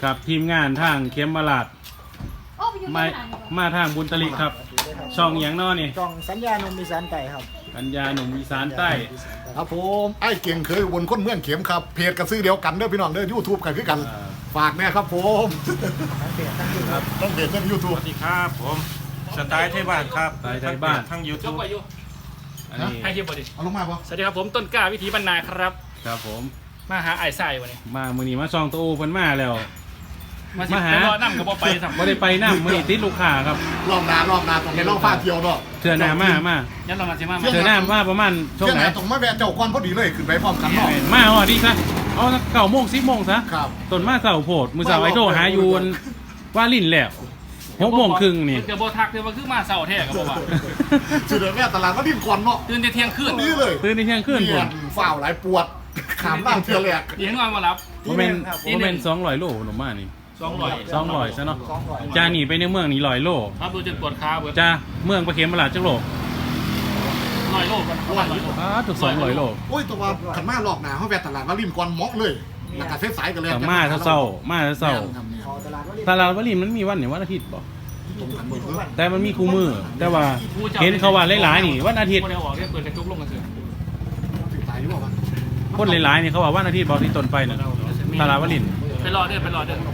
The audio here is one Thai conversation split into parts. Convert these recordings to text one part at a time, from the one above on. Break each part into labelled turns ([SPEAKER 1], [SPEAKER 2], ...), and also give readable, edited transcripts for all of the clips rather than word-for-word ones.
[SPEAKER 1] กับทีมงานทางเข็มมาลาดมาทางบุญตลิกครับช่องอย่างน้อนี่
[SPEAKER 2] ช่องสัญญาหนุ่มอีสานใต้ครับ
[SPEAKER 1] สัญญาหนุ่มอีสานใต้
[SPEAKER 3] ครับผมไอ้เก่งเคยวนคนเมืองเข็มครับเพจกระซื้อเดียวกันเด้อพี่น้องเด้อ YouTube กันคือกันฝากแน่ครับผม
[SPEAKER 2] ทั้งเพจทั้งยูทูบ
[SPEAKER 3] ต้องเพจทั้ง YouTube
[SPEAKER 4] สวัสดีครับผมสไตล์ไทยบ้านครับ
[SPEAKER 1] สไตล์ไทยบ้าน
[SPEAKER 4] ทั้ง YouTube
[SPEAKER 1] อันนี้
[SPEAKER 5] ให้เทียบบ่ดิ
[SPEAKER 3] เอาลงมาปะ
[SPEAKER 5] สวัสดีครับผมต้นกล้าวิถีบรรณาครับ
[SPEAKER 1] ครับผม
[SPEAKER 5] มาหาไอ้ไส้วันนี้
[SPEAKER 1] มามื้อนี้มาช่องตัวโอเพิ่นมาแล้ว
[SPEAKER 5] มาหารอน้ำกับบ่ไปสัก
[SPEAKER 1] บ่ได้ไปน้ำมื้อนี้ติดลูกค้าครับ
[SPEAKER 3] รอบนาตรงนี้ลองฟ้าเที่ยวเนาะ
[SPEAKER 1] เทื่อหน้ามา
[SPEAKER 5] ยันเรามาสิมา
[SPEAKER 1] เทื่อหน้ามาประมาณช่วงไหน
[SPEAKER 3] ตรงมาแวะเจ้าก่อนพอดีเลยขึ้นไปพร้อมกันเนาะ
[SPEAKER 1] มาฮอดดีซะเอา9 โมง 10 โมงซะ
[SPEAKER 3] ครับ
[SPEAKER 1] ต้นมาเสาโพดมื้อเสาร์ไอ้โทรหาอยู่ว่าลิ้นแล้ว6 โมงครึ่งนี่
[SPEAKER 5] จะบ่ทักเลยว่าคือมาเสาร์แท้ก็บ่ว่า
[SPEAKER 3] สุดเลยแม่ตลาดก็ดิ้นก่อนเนาะ
[SPEAKER 5] ตื่นแต่เที่ยงคืน
[SPEAKER 3] นี่เลย
[SPEAKER 1] ตื่นในเที่ยงคืนพุ่น
[SPEAKER 3] ฝ้าวหลายปวดขามนั่งเที่ยวแรก
[SPEAKER 5] เดี๋ยวให้นอนมารับ
[SPEAKER 1] บ่แม่น200 โลหนูมานี่200ซะเนาะจาหนีไปในเมืองนี่100 โล
[SPEAKER 5] ครับดูจนปวดขาเบิด
[SPEAKER 1] จ้าเมืองประเข็มประหลาดจักโล
[SPEAKER 5] 100 โลกัน
[SPEAKER 1] ถูก200 โล
[SPEAKER 3] โอ้ยตัวขันมารอบหนาเขาแวะตลาดก็ดิ้นก่อนเหมาะเลยแล้วก็เส้นสายกันเลย
[SPEAKER 1] มาเศร้าตลาดวลินมันมีวันไหนวันอาทิตย์บ่แต่มันมีคู่มือแต่ว่าเห็นเขาว่าหลายๆนี่วันอาทิตย์
[SPEAKER 5] คนได้ออกได้เปิดกระจุกลงกันเถอะ
[SPEAKER 1] คนหลายๆนี่เขาว่าวันอาทิตย์บอกที่ต้นไปน่ะตลาดวลิน
[SPEAKER 5] ไปรอเด้อ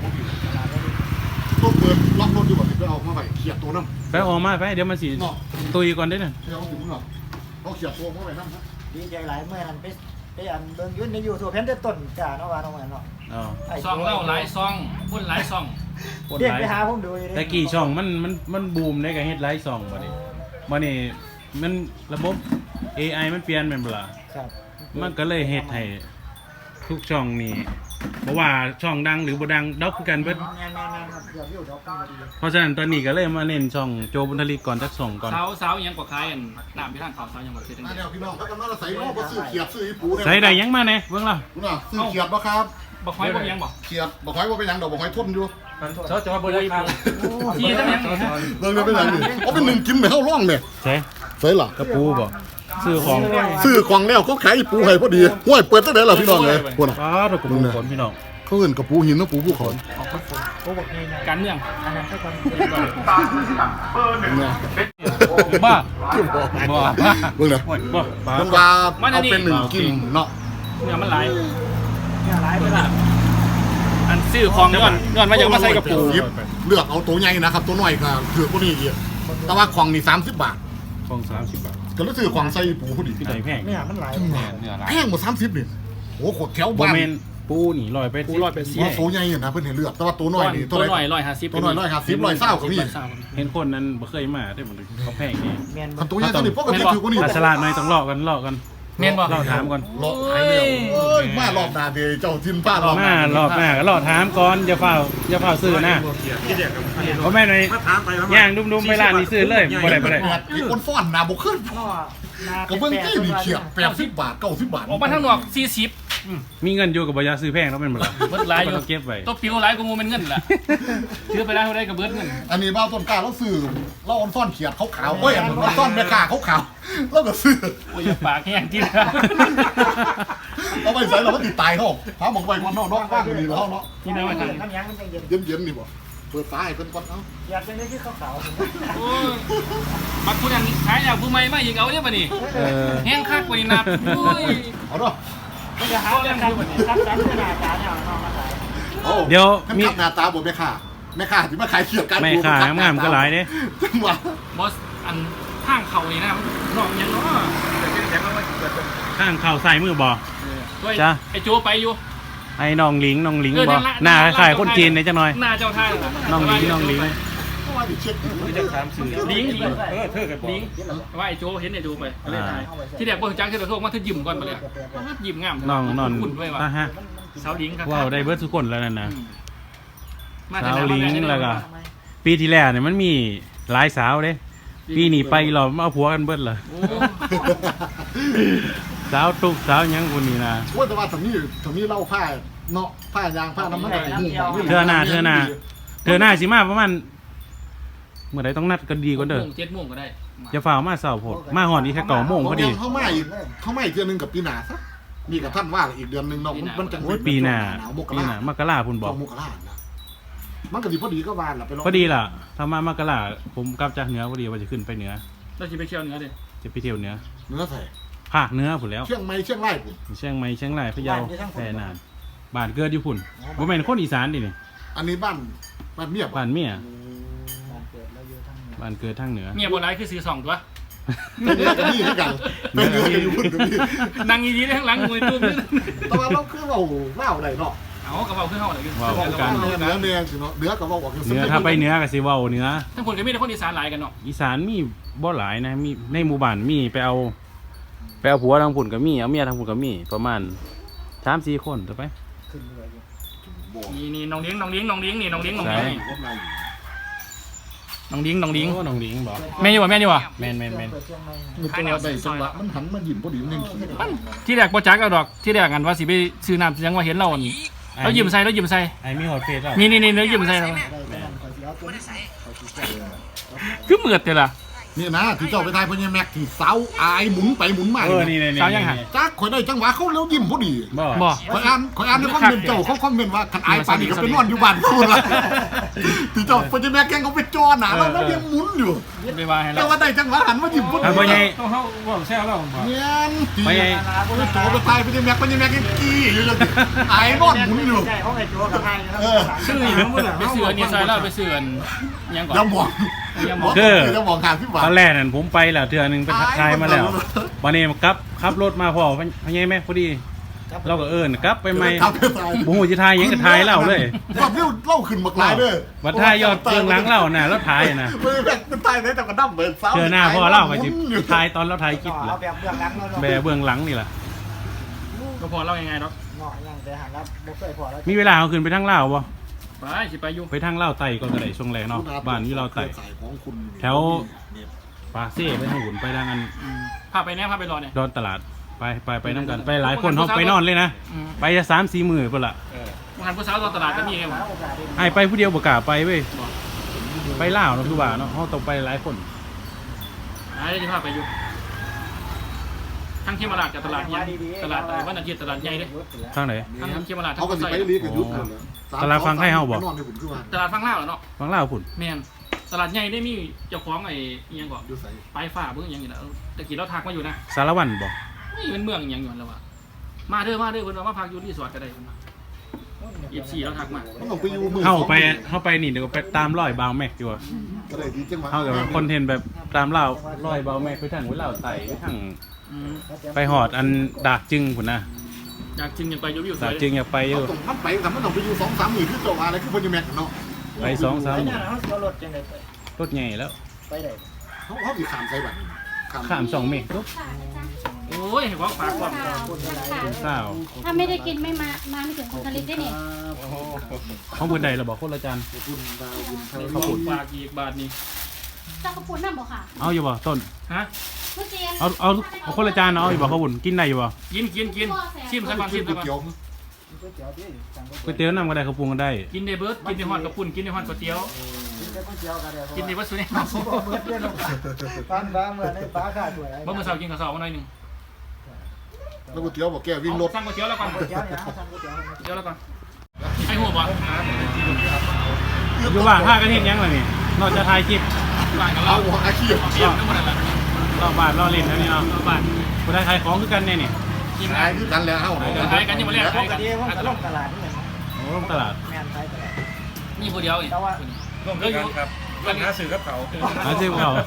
[SPEAKER 3] ต้องเปิดล็อกรถอยู่แบบนี้ไปเอามาไปเขียดตัวน้ำ
[SPEAKER 1] ไปออกมาไปเดี๋ยวมันสิตุยก่อนได้น่ะ
[SPEAKER 3] เดี๋ยวถึงหรอต้องเขียดตัวมาไปน้ำนะ
[SPEAKER 2] ดีใจหลายเมื่อนั้นไปอันเบิ่งยุ่นในยูทูบเห็นแต่ต้นจ้าเนาะว่าเนาะเนาะ
[SPEAKER 5] ซองเล่าหลายซองคนหลายซอง
[SPEAKER 2] เรียกไปหาผมดู
[SPEAKER 1] แต่กี่ช่องมันบูมได้กับเฮ็ดหลายช่องบัดนี้มันระบบ AI มันเปลี่ยนแม่นบ่ล่ะ
[SPEAKER 2] ครับ
[SPEAKER 1] มันก็เลยเฮ็ดให้ทุกช่องนี่บ่ว่าช่องดังหรือบ่ดังดอกคือกันเบิดเพราะฉะนั้นตอนนี้ก็เลยมาเน้นช่องโจบุญทลิกก่อนจัก2ก่อน
[SPEAKER 5] สาวยังกว่าคล้ายอันน้ำไปทางเขาสาวยังบ่คือจังได๋
[SPEAKER 3] พี่น้องครับมาใส่โลบ่ซื้อเขียดซื้อปู
[SPEAKER 1] ใส่ได้ยังมาแน่เบิ่งล่ะ
[SPEAKER 3] ซื้อเขียดบ่ครับ
[SPEAKER 5] บ่ค่อยบ่ยังบ่
[SPEAKER 3] เขียดบ่ค่อยบ่เป็นหยังดอกบ่ค่อยทนอยู่
[SPEAKER 5] เขาจะว่าบ่ได้ครับที่จังยัง
[SPEAKER 3] เบิ่งเป็นหยังนี่เอาเป็น1กินไปเฮาร้องเนี่ยใส่ล่ะ
[SPEAKER 1] กระปูบ่ซื้อของ
[SPEAKER 3] แล้วเขาขายปูให้พอดีห้วยเปิดตั้งแต่ล่ะพี่น้องเลยพุ่นน่ะ
[SPEAKER 1] ตะกระปูขนพี่น้อง
[SPEAKER 3] เขาเอิ้นกระปูหินเนาะปูภูเขา
[SPEAKER 5] การเมือง
[SPEAKER 2] อันนั้นแค่คน
[SPEAKER 1] บ้า
[SPEAKER 3] เบิ่งนะมันว่าเอาเป็น1กินเนาะ
[SPEAKER 5] เนี่ยมันหลายไปล่ะอันซื้อของย้อนมาอยากมาใส่กระปู
[SPEAKER 3] เลือกเอาตัวใหญ่นะครับตัวน้อยก็ถือบ่นี่อีกแต่ว่าของนี่30 บาท
[SPEAKER 1] ของ30 บาท
[SPEAKER 3] ก็รู้สึกของใส่ปูพอดี
[SPEAKER 1] พี่ใส่แพง
[SPEAKER 2] เนี่ยมันหลาย
[SPEAKER 3] แพงหมด30นี่โอ้โหแถวบ้าน
[SPEAKER 1] ปูนี่100ไป
[SPEAKER 5] ปู100ไป
[SPEAKER 3] 4ตัวใหญ่นะเพิ่นให้เลือกแต่ว่าตัวน้อยนี่
[SPEAKER 5] ตัวน้อย150
[SPEAKER 3] ตัวน้อย150 120ก็มี
[SPEAKER 1] เห็นคนนั้นบ่เคยมาได้บ่เขาแพงนี่
[SPEAKER 3] คันตัวใหญ่ตัวนี้ปกติถือว่านี่
[SPEAKER 1] ฉลาดหน่อยต้องลอกกัน
[SPEAKER 5] แม่นบ่
[SPEAKER 1] เราถามก่อน
[SPEAKER 3] รอหายแล้วเอ้ยมารอบหน้าเด้เจ้าทินป้ารอบหน้
[SPEAKER 1] ารอบหน้าก็รอถามก่อนอย่าเฝ้าซื้อนะเพราะแม่หน่อยย่างดุมๆไปร้านนี้ซื้อเลยบ่ได้
[SPEAKER 3] อีคนฟ้อนหน้าบ่ขึ้นก็เบิ่งกี้นี่เขียด80 บาท90 บาท
[SPEAKER 5] ออกมาทางนอก40
[SPEAKER 1] มีเงินอยู่กับบ่อยากซื้อแพงแล้วแม่นบ่ล่ะ
[SPEAKER 5] เบิดหลายอยู่
[SPEAKER 1] เก็บไว้
[SPEAKER 5] ตัวปิวหลายกว่างูเป็นเงินล่ะซื้อไปได้เท่าใดก็เบิดเงิน
[SPEAKER 3] อันนี้บ้าต้นกล้าเราซื้อเราออนซ่อนเขียดขาวๆเอ้ยออนซ่อนแม่ค้าขาวๆเราก็ซื้อ
[SPEAKER 5] โอ้ยปากแห้งจริง
[SPEAKER 3] เอาไปใส่เราก็ติดตายเขาพาหมองไปมันนอกบ้านนี่แล้วเนาะ
[SPEAKER 5] ที่นั่นว่าทาง
[SPEAKER 2] น้ำยังมันจะ
[SPEAKER 3] เย็นนี่บ่เปิดฟ้าให้เพิ่นก่อนเอ้า
[SPEAKER 2] อยากเป็นได้ที่ขาว
[SPEAKER 5] ๆโอ้ยบักคุณอันขายแล้วผู้ใหม่มาอีกเอาเนี่ยบัดนี้แห้งคักกว่านี่นับโอ้ย
[SPEAKER 3] เอาเนาะ
[SPEAKER 2] ก็จะหาเรื่องครับครับหน้าตาเนี่ยน้องมาขาย
[SPEAKER 1] เดี๋ยว
[SPEAKER 3] มีหน้าตาบ่แม่ค้าที่มาขายเขียดกัน
[SPEAKER 1] แม่ค้างามก็หลายเด้
[SPEAKER 3] จังหวะ
[SPEAKER 5] บอสอันข้างเขานี่นะน้องยังเนาะ
[SPEAKER 1] ข้างเข่าใส่มือบ่จ้ะ
[SPEAKER 5] ไอโจไปอยู่
[SPEAKER 1] ไอ้น้องหลิงบ่หน้าคล้ายๆคนจีนนี่จังหน่อย
[SPEAKER 5] หน้าเจ้าท่า
[SPEAKER 1] น้องหลิง
[SPEAKER 3] ว่าดิเช็ค
[SPEAKER 5] จะถามสื่อลิงเธอกับลิงว่าไอโจเห็นไอโจไปเล่นไทยที่แรกบ่จังที่เราโทรมาเธอยิ้มก่อนมาเลยยิ้มงาม
[SPEAKER 1] น้อง
[SPEAKER 5] คุณด้วยว่ะสาวลิงครับ
[SPEAKER 1] ว้าวได้เบิร์ดทุกคนแล้วนั่นนะสาวลิงแล้วก็ปีที่แล้วเนี่ยมันมีหลายสาวเด้ปีนี้ไปเราเอาผัวกันเบิร์ดเลยสาวตุกสาวยังคนนี้นะ
[SPEAKER 3] ว่าแต่ว่าถ้ามีเล่าผ้าเนาะผ้ายางผ้าน้ำมัน
[SPEAKER 1] เธอหน้าสิมาประมาณเมื่อไรต้องนัดกันดีกว่าเด้อ
[SPEAKER 5] 7 โมงก็ได้
[SPEAKER 1] จะฝ่ามาเสาร์โพดมาหอนอีกแค่9 โมงพอดี
[SPEAKER 3] เข้ามาอีกเดือนนึงกับปีหน้าซะนี่กับท่านว่าอีกเดือนนึงเนาะมันจัง
[SPEAKER 1] ปีหน้ามกราพุ่นบอก
[SPEAKER 3] มกรามันก็ดีพอดีก็วานล่ะไปลอง
[SPEAKER 1] พอดีล่ะถ้ามามากราผมกลับจากเหนือพอดีว่าจะขึ้นไปเหนือ
[SPEAKER 5] เราจะไปเที่ยวเหนือดิ
[SPEAKER 1] จะไปเที่ยวเหนือ
[SPEAKER 3] เนื้อใส่
[SPEAKER 1] ภาคเหนือพุ่นแล้ว
[SPEAKER 3] เชียงใหม่เชียงรายพุ่น
[SPEAKER 1] เชียงใหม่เชียงรายพะเยาแพร่นานบ้านเกิดอยู่พุ่นบ่แม่นคนอีสานดินี่
[SPEAKER 3] อันนี้บ้านเมีย
[SPEAKER 1] บ้านเมีย
[SPEAKER 2] บ้านเกิดเราอยู่ทางเหนือ
[SPEAKER 1] บ้านเกิดทางเหนือ
[SPEAKER 5] เมียโบราณคือซื้อ2ตัว
[SPEAKER 3] เป็นเนื้อกันนี่คือกันเป็นเนื้อกันอยู่พุ่นกับพี่
[SPEAKER 5] นั่งดีๆได้ข้างหลังมวยตุ้ม
[SPEAKER 3] แต่ว่าเราคือเราเล่าอะไรเนาะ
[SPEAKER 5] เอากระเป๋าขึ้นห้องอะไรกัน
[SPEAKER 1] ว้าวกัน
[SPEAKER 3] เนื้อแดงสิเนาะเนื้อกับว่าออก
[SPEAKER 1] เหนือถ้าไปเหนือก็สิเว้าเหนือ
[SPEAKER 5] ทั้งคนก็มีแต่คนอีสานหลายกันเนาะ
[SPEAKER 1] อีสานมีบ่หลายนะมีในหมู่บ้านมีไปเอาผัวทางพุ่นก็มีเอาเมียทางพุ่นก็มีประมาณ 3-4 คนต่อไป
[SPEAKER 2] ขึ้นเลยอยู่
[SPEAKER 5] นี่น้องเลี้ยงนี่น้องเลี้ยงนี่
[SPEAKER 1] ใช่
[SPEAKER 5] น้องเลี้ยงน้องเลี้ยง
[SPEAKER 1] โอ้น้องหลิงบ่
[SPEAKER 5] แม่อยู่วะ
[SPEAKER 2] เปิดเชียงใหม่
[SPEAKER 3] มันตัวใดจังหวะมันหันมายิ้มพอดีมันยังขี้
[SPEAKER 5] ที่แรกโปรจักเอาดอกที่แรกกันว่าสิไปซื้อน้ำยังว่าเห็นเรานี่แล้วยิ้มใส่แล้วยิ้มใส่
[SPEAKER 1] ไอ้มีฮอตเฟซแล้ว
[SPEAKER 5] นี่แล้วยิ้มใส่เรา
[SPEAKER 2] ได้แต่นั่นขอสิเอาตัวนี้ขอสิแก้
[SPEAKER 5] คือเหมือดแต่ละ
[SPEAKER 3] นี่นะที่เจ้าไปทายพญาแม็กที่เสาอายหมุนไปหมุนมา
[SPEAKER 1] นี่
[SPEAKER 5] สาวยังหา
[SPEAKER 3] จักข่อยได้จังหวะเขาแล้วยิ้มพอดี
[SPEAKER 1] บ่
[SPEAKER 5] บ่
[SPEAKER 3] ข่อยอ่านในคอมเมนต์เจ้าเขาคอมเมนต์ว่าคันอายปานนี้ก็ไปนอนอยู่บ้านพูดละที่เจ้าพญาแม็กแกงเขาไปจอหนาแล้วยังหมุนอยู่
[SPEAKER 5] ไปว่าให้เรา
[SPEAKER 3] แต่ว่าได้จังหวะหันมายิ้มพอดี
[SPEAKER 1] เอาไปไง
[SPEAKER 4] เขาบอกแซวเราบ่
[SPEAKER 3] เงี้ยตี
[SPEAKER 1] ไปไง
[SPEAKER 3] โจไปทายพญาแม็กยังกี้อยู่เลยอายนอนหมุนอยู่
[SPEAKER 2] ใช่เขาไอ้โจ้กับไทยนะครับ
[SPEAKER 5] ซื้ออีกแล้วไปซื้ออันนี้ใส่แล้วไปซื้ออันยังก่อน
[SPEAKER 3] อย่ามอง
[SPEAKER 5] ยังมอง
[SPEAKER 3] อย่ามองทางที่หวา
[SPEAKER 1] ตอนแรกนั่นผมไปแล้วเทื่อนึงไปทายมาแล้ววันนี้กลับขับรถมาพอพะไงแม่พอดีเราก็กลับไปใหม่
[SPEAKER 3] ครับไปทาย
[SPEAKER 1] บ่ฮู้สิทายหยังก็ทายเล่าเลย
[SPEAKER 3] ว่าเล่าขึ้นมากลายเด้อ
[SPEAKER 1] บัดทายยอดเบื้องหลังเล่าน่ะแล้วทายน่ะ
[SPEAKER 3] ไม่แบกเป็นตายได้แต่ก็ดั้มเบิดซ้ำ
[SPEAKER 1] เทื่อหน้าพอเล่าก็สิทายตอนเราทายคลิป
[SPEAKER 2] เอา
[SPEAKER 1] ล่ะ
[SPEAKER 2] แบบเบื้องหลังเรา
[SPEAKER 1] แบเบื้องหลังนี่ล่ะ
[SPEAKER 5] ก็พอเล่ายังไงเนาะ
[SPEAKER 2] เงาะยังแต่หันแล้วบ่เคยพอแล้ว
[SPEAKER 1] มีเวลาเอาขึ้นไปทางลาวบ่
[SPEAKER 5] ไปสิไปอยู่
[SPEAKER 1] ไปทางลาวไต่ก่อนก็ได้ช่วงแรกเนาะบ้านอยู่ลาวไต่
[SPEAKER 3] สายของคุณ
[SPEAKER 1] แถว ปาเซ่ไปทางหุ่นไปทางอัน
[SPEAKER 5] พาไปแน่พาไปรอเนี่ย
[SPEAKER 1] ดอนตลาดไปนำกันไปหลายคนเฮาไปนอนเลยนะไปจะ3-4 มื้อพุ่นล่ะ
[SPEAKER 5] มหันผู้สาวตอนตลาดก็มีไงวะ
[SPEAKER 2] โอกาสดี
[SPEAKER 1] ให้ไปผู้เดียวบ่กล้าไปเว้ยไปลาวเนาะคือว่าเนาะเฮาต้องไปหลายคน
[SPEAKER 5] ไอ้ที่พาไปอยู่ทั้งเขมราชกับตลาดยังตลาดวันอาทิตย์ตลาดใหญ่เด้
[SPEAKER 1] ทางไหน
[SPEAKER 5] ทั้งเขมราชทั้
[SPEAKER 3] เขา
[SPEAKER 5] ง
[SPEAKER 3] ก็สิ
[SPEAKER 5] ใส่
[SPEAKER 3] ไปเรียกกันยุทธ์
[SPEAKER 1] ตลาดฟังให้เฮาบ่
[SPEAKER 3] นอนในผมคือว่า
[SPEAKER 5] ตลาดฟังเล่าเนาะ
[SPEAKER 1] ฟังลาวพุ่น
[SPEAKER 5] แมนตลาดใหญ่ได้มีเจ้าของไอ้ยังก่อน
[SPEAKER 3] อยู่ใส่
[SPEAKER 5] ปลายฝ่าเบิ่งยังอยู่นะตะกี้เราทักมาอยู่นะ
[SPEAKER 1] สารวัตรบ่
[SPEAKER 5] นี่เป็นเมืองยังอยู่แล้วว่ะมาเด้อเพิ่นว่ามาพักอยู่รีสอร์ทก็ได้เพิ่นว่า24เราทักมา
[SPEAKER 3] มันต้องไปอยู่มือ
[SPEAKER 1] เฮาไปนี่เดี๋ยวไปตามรอยบาวแม็กดีกว่า
[SPEAKER 3] ก็ได้ดีจังหวะ
[SPEAKER 1] เฮากับคอนเทนต์แบบตามรอยบาวแม็กไปทางหัวลาวไต่ไปทาง
[SPEAKER 5] อืม
[SPEAKER 1] ไปหอดอันดากจึงพุ่นนะ
[SPEAKER 5] อยากจริงอยากไปอยู่วิวส
[SPEAKER 1] ดา
[SPEAKER 5] วย
[SPEAKER 1] กจึงอยากไปอยู่
[SPEAKER 3] ต้องมันไปแต่มันต้องไปอยู่2-3มื้อคือเจ้าอะไรคือพญาแม็กเนาะ
[SPEAKER 1] ไป2-3
[SPEAKER 2] ไปเนี่ยเขาเสียรถจังได๋ไป
[SPEAKER 1] รถใหญ่แล้ว
[SPEAKER 2] ไปได้
[SPEAKER 3] เขาสิข้ามใส่บัด
[SPEAKER 1] ข้าม2เมตรตุ๊บ
[SPEAKER 5] โอ้ยว่าฝากก่อน
[SPEAKER 1] เศร้า
[SPEAKER 6] ถ้าไม่ได้กินไม่มาไม่ถึงคุณผลิตได้นี่
[SPEAKER 1] ของเพิ่นใดเราบอกคนละจาน
[SPEAKER 3] คุณดาวบุญไทย
[SPEAKER 5] ขอบคุณฝากอีกบาทนี้
[SPEAKER 6] เจ้ากระปุนนั่นบอกค่ะ
[SPEAKER 1] เอาอยู่บ่ต้น
[SPEAKER 5] ฮะ
[SPEAKER 6] ทุเรียน
[SPEAKER 1] เอาคนละจานเอาอยู่บ่ข้าวบุญกินได้อยู่บ่
[SPEAKER 5] กินชิมซะก่อนชิมซะก่อน
[SPEAKER 3] เกี่ยว
[SPEAKER 2] ก๋วยเตี๋ยวดิสั่ง
[SPEAKER 1] ก๋วยเตี๋ยวนำก็ได้ข้าวปรุงก็ได้
[SPEAKER 5] กินในเบิร์ดกินในฮอดกระปุ่นกินในฮอดก๋วยเตี๋ยว
[SPEAKER 2] กินแต่ก๋วยเตี๋ยวกันเด้อ
[SPEAKER 5] กินในวัตถุเนี่ย
[SPEAKER 2] เบิดเด้อลูกปานบ้าเมื่อในป้าข้าสวย
[SPEAKER 5] เมื่อเช้ากินข้าวซอยมาหน่อยนึง
[SPEAKER 3] แล้วก๋วยเตี๋ยวบอกแกวิ่งรถ
[SPEAKER 5] สั่งก๋วยเตี๋ยวแล้วก่อน
[SPEAKER 2] ก๋วยเตี๋ยวเนี่ยสั่งก๋วยเตี๋ยว
[SPEAKER 5] เดี๋ยวแล้วก่อนไอ้หัวบ่
[SPEAKER 1] อยู่บ้านพากันเฮ็ดหยังล่ะนี่นอกจากถ่ายคลิป
[SPEAKER 5] บ้านกับ
[SPEAKER 3] เอา
[SPEAKER 5] เรา
[SPEAKER 3] อาชีพ
[SPEAKER 5] เตรียมทั้งหมดนั่นแหละ
[SPEAKER 1] รอบบ้านรอเล่นแล้วนี่เนาะ
[SPEAKER 5] บ้าน
[SPEAKER 1] บ่ได้ขายของคือกันแน่นี่
[SPEAKER 5] กิน
[SPEAKER 3] ขาย
[SPEAKER 5] ได้
[SPEAKER 3] คือกันแล้วเฮา
[SPEAKER 5] ขายกันยังมาเรียก
[SPEAKER 2] ป
[SPEAKER 5] ขาย
[SPEAKER 2] ก
[SPEAKER 5] กัน
[SPEAKER 2] ติผมก็ลงตลาดนี่แหละ
[SPEAKER 1] โอ้ลงตลาด
[SPEAKER 2] แม่นขายตลาด
[SPEAKER 5] นี่ผู้เดียวอีก
[SPEAKER 4] ร่วมด้วยกันครับร่วมหาสื่อกับเขา
[SPEAKER 1] หาซื้อเขา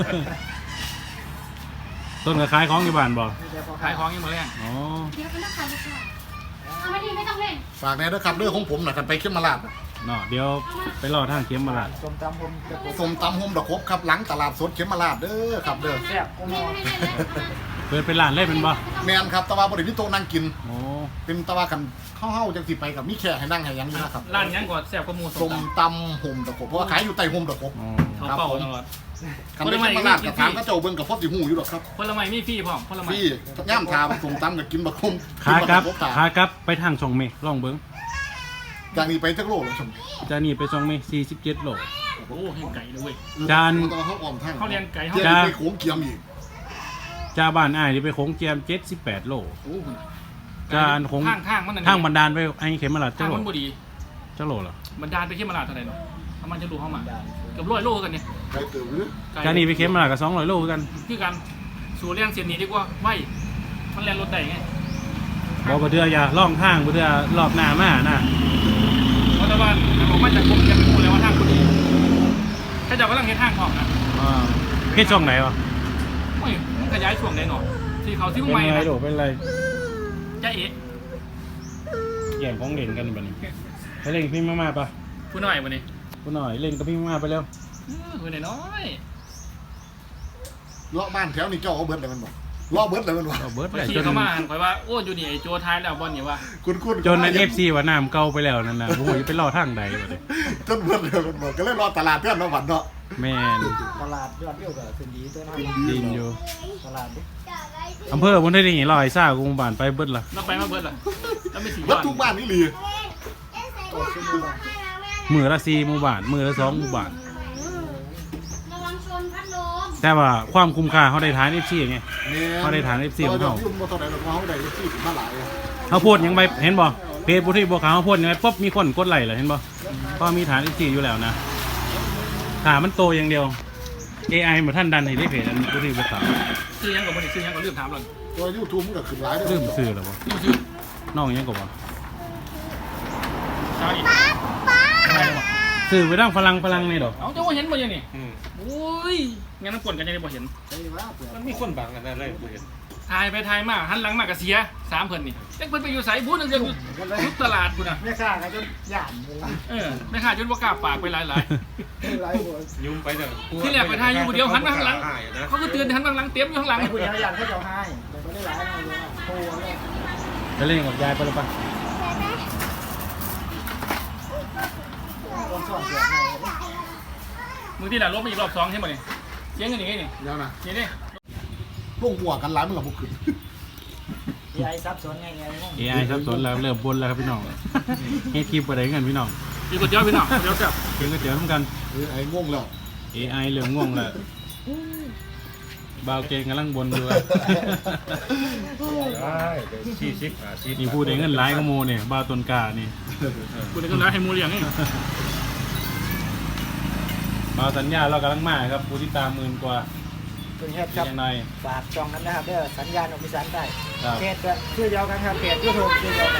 [SPEAKER 1] ต้นก็ขายของอยู่บ้านบ่
[SPEAKER 2] มีแต่พอ
[SPEAKER 5] ขายของยังมาเรียก
[SPEAKER 1] อ๋อ
[SPEAKER 6] เดี๋ยวเป็นนักขายลูกค้าเอาไม่ดีไม่ต้องเล่น
[SPEAKER 3] ฝากแน่ด้วยครับเรื่องของผมน่ะกันไปเข้มมาลาด
[SPEAKER 1] เนาะเดี๋ยวไปรอทางเข็มมาละ
[SPEAKER 2] ส้มตำผมจะกด
[SPEAKER 3] สมตำโฮมดอกครบครับหลังตลาดสดเข้มมาลาดเด้อครับเด้อ
[SPEAKER 2] แซ่บกูม
[SPEAKER 6] เล่
[SPEAKER 2] อน ง
[SPEAKER 6] ไม่เล่นเลย
[SPEAKER 1] เปิดเป็นร้านเลยเป็นบ่
[SPEAKER 3] แมนครับตะวันบริวิโตะนั่งกิน
[SPEAKER 1] โอ้
[SPEAKER 3] เป็นตะวันกันเข้าจังสิไปกับมีแขกให้นั่งให้ยังอยู่นะครับ
[SPEAKER 5] ร้านยังก่อนแซ่บกว่าหมูส
[SPEAKER 3] ส
[SPEAKER 5] ม
[SPEAKER 3] มตำโฮมดอกครบเพราะว่าขายอยู่ใต้โฮมดอกครบ
[SPEAKER 1] อ๋อ
[SPEAKER 5] เขาเป่าตลอด
[SPEAKER 3] คันไปเข้มมาลาดกับถามก็เจ้าเบิ่งกับพ่อสิหูอยู่หรอกครับ
[SPEAKER 5] ผลไม้มีฟรีพร้อมผลไม้
[SPEAKER 3] พี่ย่ามทาสมตำกับกินบักคม
[SPEAKER 1] ขากลับ
[SPEAKER 3] กินบัก
[SPEAKER 1] ขากลับไปทางช่องเมฆลองเบิ่ง
[SPEAKER 3] จากนี้ไปจักโลแล้วชม
[SPEAKER 1] จานนี้ไปช่องเมฆ47โล
[SPEAKER 5] โอ้เห็นไก่เลยเว้ย
[SPEAKER 1] จาน
[SPEAKER 3] ตอนเขาอ่อมทาง
[SPEAKER 5] เขาเรียนไก่เขา
[SPEAKER 3] เจียมไปโขงเกียมอีก
[SPEAKER 1] จาบ้านอ้ายนี่ไปโค้งเจียม78โล
[SPEAKER 5] โอ้
[SPEAKER 1] จานคง
[SPEAKER 5] ทางมันนั่น
[SPEAKER 1] ทางบันดาลไปไอ้เข็มมาละ
[SPEAKER 5] ทา
[SPEAKER 1] เจ้าง โล
[SPEAKER 5] มันบ่ดี
[SPEAKER 1] จะโหลเหรอ
[SPEAKER 5] บันดาลไปเข้มมาลาเท่าไหร่เนาะประมาณจะรู้เข้ามาเกือบ100 โลกันเนี่ย
[SPEAKER 3] ใครตื่นหรือ
[SPEAKER 1] การนี้ไปเข้มมากับ200 โลคือกัน
[SPEAKER 5] คือกันสู่เรื่องเสียนนี้ดีกว่าไว้มันแล่นรถได้ไง
[SPEAKER 1] บอกบ่เดืออย่าล่องทางบ่เดือรอบหน้ามานะ
[SPEAKER 5] เพราะว่าผมมาจากกรมจะเป็นคนแล้วว่าทางคนนี้ถ้าจะกำลังเห็นทางของนะ
[SPEAKER 1] เฮ็ดช่องไหนวะ
[SPEAKER 5] โอ้ยมันขยายช่วงไหนหนอที่เขาที่
[SPEAKER 1] เป็น
[SPEAKER 5] ใหม่
[SPEAKER 1] ไร
[SPEAKER 5] นะ
[SPEAKER 1] โดเป็นไร
[SPEAKER 5] จะเอ๋
[SPEAKER 1] แย่งของเล่นกันบัดนี้ไปเล่นกับพี่มาๆปะ
[SPEAKER 5] ผู้น้อยวันนี้
[SPEAKER 1] กูหน่อยเล่นกับพี่มาไปเร็ว
[SPEAKER 5] ผู้น้อย
[SPEAKER 3] เลาะบ้านแถวนี้เจ้าเอาเบิร์ดเลยมันบอกเลาะเบิร์ดเลยมันบอก
[SPEAKER 1] เอาเบิร์ด
[SPEAKER 5] ไป
[SPEAKER 1] เลย
[SPEAKER 5] ขี่
[SPEAKER 1] จน
[SPEAKER 5] เข้ามาคอยว่าโอ้อยู่นี่ไอ้โจท้ายแล้วบอลนี่ว่า
[SPEAKER 3] คุณ
[SPEAKER 1] จนใน FC ว่าน้ำเก่าไปแล้วนั่นน่ะโอ้ยไปล่อทางใดบัดนี้
[SPEAKER 3] จนเบิร์ดเลยมันบอกก็เลยรอตลาดเพื่อนมาหวันเนาะ
[SPEAKER 1] แม่น
[SPEAKER 2] ตลาดยอดวิวก็ขึ้นดีตัวน้อย
[SPEAKER 1] ดินอยู่
[SPEAKER 2] ตลาดดิ
[SPEAKER 1] อำเภอบ่ได้นี่ลอยซ่ากรุงบ้านไปเบิดล่ะ
[SPEAKER 5] เราไปมาเบิร์ดล่ะแล้วไม่สี
[SPEAKER 3] วัดทุกบ้านนี่หลี
[SPEAKER 2] โอ้ชื่อมือบ้าน
[SPEAKER 1] มื้อละ4หมู่บ้านมื้อละ2หมู่บ้าน
[SPEAKER 6] ระวังชนพัดลม
[SPEAKER 1] แต่ว่าความคุ้มค่าเขาได้ทาน FC ไง เขาได้ฐาน FC ของเขา
[SPEAKER 3] ยุ่งมาตอนไหนเราเขาได้ที่มาหลาย
[SPEAKER 1] เขาโพดหยังไปเห็นบ่เพจบุตรีบัวขาวเขาโพดหยังไงปุ๊บมีคนกดไลค์เลยเห็นบ่ก็มีฐาน FC อยู่แล้วนะถ้ามันโตอย่างเดียว AI บ่ทันดันให้ได้เพจอันบุตรีบัวขาว
[SPEAKER 5] ซื้อยังกับวันนี้ซื้อยังกับลืมถามหล่อน
[SPEAKER 3] ตัวยูทูบมันก็ขึ้นหลาย
[SPEAKER 1] ลืมซื้อแล้วบ่
[SPEAKER 5] ลืมซื้อ
[SPEAKER 1] น้องยังก็บ่
[SPEAKER 5] ใช่
[SPEAKER 1] ซื้อไปดังฝรั่งนี่ดอก
[SPEAKER 5] เอาเจ้าว่าเห็นบ่ยังนี่โอ้ยงั้นน้ำปนกันยังได้บ่เห็น
[SPEAKER 4] มันมีคนบังกันนั่นเลยบ่เห็น
[SPEAKER 5] ถ่ายไปถ่ายมาหันหลังมากับเสีย3เพิ่นนี่เด็กเพิ่นไปอยู่ไสบู๊นึงเดียวอยู่ทุกตลาดพุ่นน่ะ
[SPEAKER 2] แม่ค้าก็จนหยาดเลย
[SPEAKER 5] แม่ค้าจนบ่กล้าปากไปหลาย
[SPEAKER 2] หลายคน
[SPEAKER 4] ยุ่มไปเถอะ
[SPEAKER 5] ที่แรกไปถ่ายอยู่เดียวหันมาข้างหลัง ๆเขาก็เตือนหันมาข้างหลังเต็มอยู่ข้างหลัง
[SPEAKER 2] ไอ้ผู้ใหญ่หยาดเขาจะให้แต่ไม่ได้หลายเลยโอ้โห
[SPEAKER 1] ไปเล่นกับยายไปแล้วปะ
[SPEAKER 2] คนสอนเสียให้
[SPEAKER 5] มึงที่หลังลบมาอีกรอบ2ใช่บ่นี่เสียงกันอย่างงี้นี่
[SPEAKER 3] แล้วนะ
[SPEAKER 5] นี่ดิ
[SPEAKER 3] พวกหัวกันหลายมันกับพวกขึ้น
[SPEAKER 2] ยายซับซ้อนไงไงงง
[SPEAKER 1] AI ครับสนแล้วเริ่มบนแล้วครับพี่น้องเฮ็ดคลิปบ่ได้เงินพี่น้อง
[SPEAKER 5] มีก๋วยเตี๋ยวพี่น้องเดี๋ยวจับ
[SPEAKER 1] กินก๋วยเตี๋ยวเหมือนกัน
[SPEAKER 3] ไอ้งงแล้ว
[SPEAKER 1] AI เริ่มง่วงแล้วบ่าวเก่งกำลังบนอยู่
[SPEAKER 4] ได้40 50
[SPEAKER 1] นี่พูดได้เงินหลายกว่าโมเนี่ยบ่าวต้นกานี่
[SPEAKER 5] กูได้ก็ร้ายให้หมูเลี้ยงนี่
[SPEAKER 1] บ่าวสัญญาเรากำลังมาครับผู้ที่ตาม10,000กว่า
[SPEAKER 2] เป็นเฮ็ดครับ
[SPEAKER 1] ยังไง
[SPEAKER 2] ฝากจองกันนะครับเด้อสัญญาณของพิสานได้
[SPEAKER 1] ครับ
[SPEAKER 2] เพจก็ชื่อเดียวกันครับเพจยูทูบชื่อเดียวกัน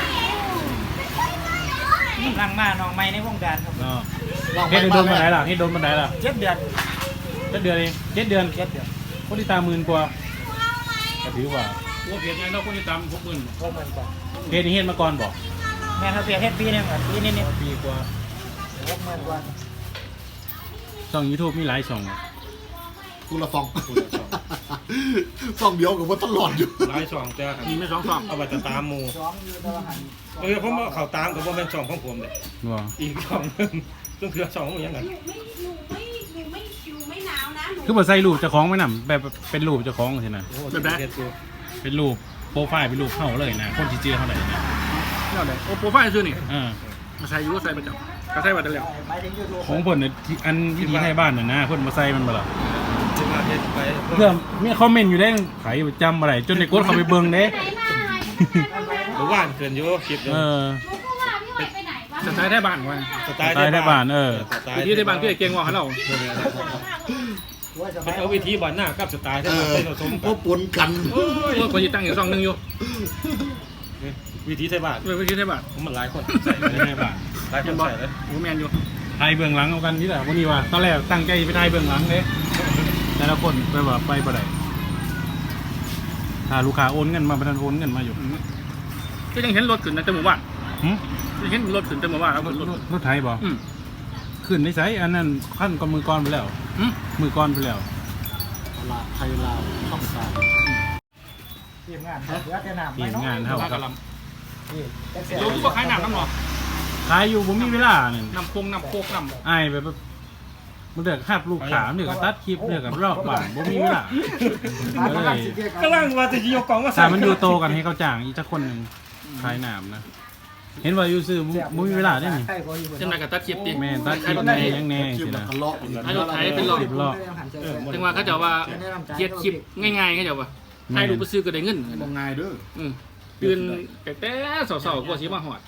[SPEAKER 2] นั่งมาน้องใหม่ในวงการครับ
[SPEAKER 1] เนาะเฮ็ดโดนมาไหนล่ะเฮ็ดโดนมาไหนล่ะ
[SPEAKER 2] 7 เดือน
[SPEAKER 1] 7 เดือนเอง7 เดือน
[SPEAKER 2] 7 เดือน
[SPEAKER 1] ผู้ที่ตาม10,000กว่าก็ถือว่า
[SPEAKER 5] กูเพียรยังเราคนที่ตาม60,000
[SPEAKER 2] พวกมันก่อน
[SPEAKER 1] เพจนี้เฮ็ดมาก่อนบอก
[SPEAKER 2] แม่ครับเพจเฮ็ดปีนึงอ่ะปีนิด
[SPEAKER 1] ปีกว่า
[SPEAKER 2] ๆ60,000กว่า
[SPEAKER 1] ช่อง YouTube มีหลายช่อง
[SPEAKER 3] กูละซองซองเดียวกับว่าตลอดอยู่
[SPEAKER 4] หลายช่องแต่
[SPEAKER 5] มีไม่2 2
[SPEAKER 4] เอาไปตามหมู่
[SPEAKER 2] สองอยู่ตลาดหัน
[SPEAKER 4] ผมว่าเขาตามก็บ่แม่นช่องของผมเด้
[SPEAKER 1] บ่
[SPEAKER 4] อีกช่องนึงต้องคือช่องของหยังกัน
[SPEAKER 6] หนูไม่หนาวนะหนู
[SPEAKER 1] คือบ่ใส่รูปเจ้าของไว้นำแบบเป็นรูปเจ้าของสินะ
[SPEAKER 5] แบบไหน
[SPEAKER 4] เฮ็ดอยู่
[SPEAKER 1] เป็นรูปโปรไฟล์เป็นรูปเฮาเลยนะคนสิเจอเฮาได้นะ
[SPEAKER 5] เท่าไหร่โอ้โปรไฟล์ซื้อนี่ มาใส่ยูใส่ประจำก็ใส่บัตรแล้ว
[SPEAKER 2] หมายถึงยูทูบ
[SPEAKER 1] ของเพิ่นน่ะที่อันวิธีให้บ้านน่ะนะเพิ่นมาใส่มันบ่ล่ะ
[SPEAKER 4] ที่มาเฮ็ดไป
[SPEAKER 1] เพื่อมีคอมเมนต์อยู่ได้ไผจำบ่ได้จนได้กดเข้าไปเบิ่งเด้
[SPEAKER 6] ไหนมา
[SPEAKER 4] หรือว่านเกินอยู่คลิป
[SPEAKER 1] เออ
[SPEAKER 6] หนูก็ว่าพี่หอยไปไหนวะ
[SPEAKER 5] สไตล์ไทยบ้านวัน
[SPEAKER 4] สไตล์
[SPEAKER 1] สไตล์ไทยบ้านเออ
[SPEAKER 5] วิธีไทยบ้านคือไอ้เก่งว่าเขาเรา
[SPEAKER 2] ว่าจะ
[SPEAKER 4] เป็น
[SPEAKER 2] ไม่
[SPEAKER 4] เอาวิธีบ้านหน้ากับสไตล์ที่มันผสม
[SPEAKER 3] พวกปนกัน
[SPEAKER 5] โอ้ยคนที่ตั้งอยู่2 1อยู่
[SPEAKER 4] วิธีไทยบ้าน
[SPEAKER 5] วิธีไทยบ้าน
[SPEAKER 4] ผมมันหลายคนใส่
[SPEAKER 1] ไทยบ้าน
[SPEAKER 4] หลายคนใส่เลย
[SPEAKER 5] โอ้แมนอยู่
[SPEAKER 1] ไทยเบื้องหลังเอากันนี่แหละวันนี้ว่าตอนแรกตั้งใจไปไทยเบื้องหลังเด้แต่ละคนไปว่าไปบ่ได้ถ้าลูกค้าโอนเงินมาบ่ทันโอนเงินมาอยู่
[SPEAKER 5] ก็ยังเห็นรถขึ้นนะแต่หมู่บ้าน
[SPEAKER 1] หึ
[SPEAKER 5] ยังเห็นรถขึ้นแต่หมู่บ้านแล้วรถ
[SPEAKER 1] รถไทยบ่
[SPEAKER 5] อืม
[SPEAKER 1] ขึ้นในไสอันนั้นขั้นก่อนมือก่อนไปแล้ว
[SPEAKER 5] อืม
[SPEAKER 1] มือก่อนไปแล้ว
[SPEAKER 3] ลาไทยลาวช่องสาม
[SPEAKER 2] ทีมงานครับเดี๋ยวจะนำ
[SPEAKER 1] ทีมงานเฮาครับ
[SPEAKER 2] นี่จักเสีย
[SPEAKER 5] โยกูบอกขายน้ำน้ำหรอ
[SPEAKER 1] ขายอยู่บ่มีเวลานี่
[SPEAKER 5] น้ำโคงน้ำโคกน้ำ
[SPEAKER 1] อ้ายแบบมันเดือกคาบลูกค้าเดือกตัดคลิปเดือกกับรอบบ้านบ่มีเวลาก็เลย
[SPEAKER 4] กำลังว่าจะยกกล่องมา
[SPEAKER 1] ถ้ามันอยู่โตกันให้เขาจ้างอีกสักคนหนึงขายน้ำนะเห็นว่าอยู่ซื้อบ่มีเวลาได้นี่
[SPEAKER 5] จังไรกับตัดคลิปดิ
[SPEAKER 1] แม่นตัดคลิปแน่ยังแน่
[SPEAKER 3] คลิป
[SPEAKER 1] สิ
[SPEAKER 3] แล้ว
[SPEAKER 1] นะ
[SPEAKER 3] ก็เลาะอีก
[SPEAKER 5] ให้รถไถเป็นรอบ
[SPEAKER 1] รอบ
[SPEAKER 5] จังว่าเขาจะว่าเย็ดคลิปง่ายๆเขาจะว่าให้ดูไปซื้อก็ได้เงิน
[SPEAKER 3] มองง่ายเด้อ
[SPEAKER 5] ตื่นแต่สาวๆกว่าสิมาหอด
[SPEAKER 2] เ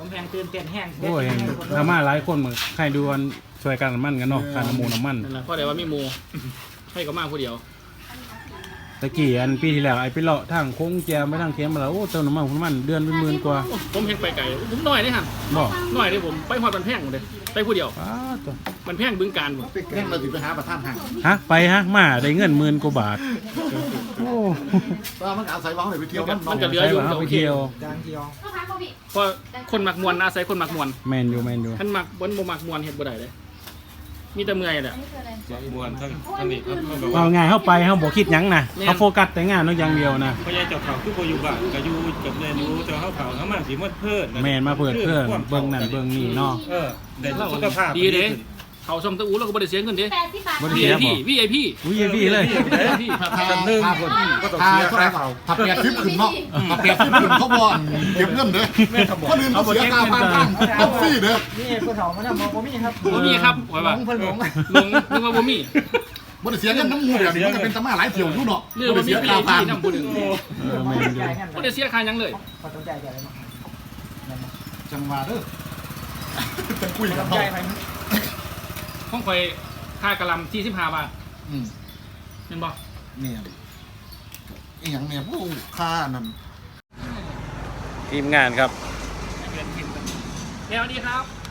[SPEAKER 2] ผมแพงตื่นเต้นแห้ง
[SPEAKER 1] โอ้ยทำมาหลายคนเหมือนใครดูกันช่วยกันน้ำมันกันเนาะการน้ำมูน้ำมัน
[SPEAKER 5] นั่นแหละเพราะเดี๋ยวว่ามีหมูให้ก็มาผู้เดียว
[SPEAKER 1] ตะกี้อันปีที่แล้วไอ้ไปเลาะทางโค้งแจมไปทางเข็มมาแล้วโอ้เติมน้ำมันเดือนเป็นหมื่นกว่า
[SPEAKER 5] ผมเห็นไปไก่ผมน้อยเลยฮะ
[SPEAKER 1] บอก
[SPEAKER 5] น้อยเลยผมไปหอดบันแพงหมดเลยไปผู้เดียว
[SPEAKER 1] อ้าวตัว
[SPEAKER 5] บันแพงบึงการผม
[SPEAKER 3] แข่งเราถึงไปหาประธานห่าง
[SPEAKER 1] ฮะไปฮะมาได้เงินหมื่นกว่าบาทโอ้
[SPEAKER 3] ว่ามันอาศัยวังเลยไปเที่ยวนั่น
[SPEAKER 5] มัน
[SPEAKER 3] เนาะ
[SPEAKER 5] ก็เหลือ
[SPEAKER 1] ใช่
[SPEAKER 5] อยู่
[SPEAKER 1] ป่ะ
[SPEAKER 5] ก็
[SPEAKER 1] ไป
[SPEAKER 5] โอเค
[SPEAKER 1] เที่ยว
[SPEAKER 2] จางเที่ยว
[SPEAKER 6] ก็พักโควิด
[SPEAKER 5] เพราะคนมักมวนอาศัยคนมักมวน
[SPEAKER 1] แมนอยู่
[SPEAKER 5] ท่านมักบนบ่มักมวนเฮ็ดบ่ได้เลยมีแต่เมื่อยแหละ
[SPEAKER 6] อันนี้คืออะไร
[SPEAKER 4] มวนทั้งนี้ครับมันแบบ
[SPEAKER 1] เอา
[SPEAKER 4] ว่า
[SPEAKER 1] ไงเข้าไปเขาบอกคิดหยังนะเขาโฟกัสแต่งานเนาะอย่างเดียวนะ
[SPEAKER 4] พยายเจ้าเขาคือบ่อยู่บ้านก็อยู่กับเรียนอยู่เจ้าเขาเขามาสิมันเพิ่น
[SPEAKER 1] แมนมาเปิดเพื่อนเบิ่งนั่นเบิ่งนี่เนาะ
[SPEAKER 4] ได้สุขภาพ
[SPEAKER 5] ดีเด้เขาชมตะอูเราก็บ่ได้เสียเงินเด้
[SPEAKER 6] 80 บาท
[SPEAKER 1] บ่ได้เสีย
[SPEAKER 5] VIP
[SPEAKER 1] อุ้ยพี่เลย
[SPEAKER 5] VIP
[SPEAKER 4] กันนึงคนก็ต้อง
[SPEAKER 3] ถ้า
[SPEAKER 4] เสีย
[SPEAKER 3] เท่าไหร่
[SPEAKER 4] ค่าเขา
[SPEAKER 3] ถ้า8 10ขึ้นเนาะถ้า8 10ขึ้นเขาบ่เก็บเงินเด้อคนอื่นเขาเสียค่าบ้านตั้งต้องฟรีเด้อ
[SPEAKER 2] นี่ผู้เฒ่ามันน่ะบ่มีครับ
[SPEAKER 5] บ่มีครับไว้
[SPEAKER 2] หล
[SPEAKER 5] ว่าง
[SPEAKER 2] เพิ่นหลง
[SPEAKER 5] ลงนึกว่าบ่มี
[SPEAKER 3] บ่ได้เสียเงินน้ำมูแบบนี้มันก็เป็นตะมาหลายเที่ยวอยู่เนาะ
[SPEAKER 5] เรื่อง
[SPEAKER 3] บ่
[SPEAKER 5] บ่
[SPEAKER 3] ได้
[SPEAKER 5] มี
[SPEAKER 3] เสียค่า
[SPEAKER 5] VIP
[SPEAKER 3] ผ่าน
[SPEAKER 5] นำผู้หนึง
[SPEAKER 1] แมนอยู่
[SPEAKER 5] บ่ได้เสียค่าหยังเลย
[SPEAKER 2] ขอต้องใจายอะไรเนาะ
[SPEAKER 3] จังหวะเด้อจะคุยกับ
[SPEAKER 2] ต้อง
[SPEAKER 3] เขา
[SPEAKER 2] ใจายไป
[SPEAKER 5] ของข่อยค่ากะหล่ำ45 บาท
[SPEAKER 3] อืม
[SPEAKER 5] เห็นบ่
[SPEAKER 3] เนี่ยอีหยังเนี่ยผู้ค่านั่น
[SPEAKER 1] ทีมงานครับ
[SPEAKER 5] สวัสดีครับ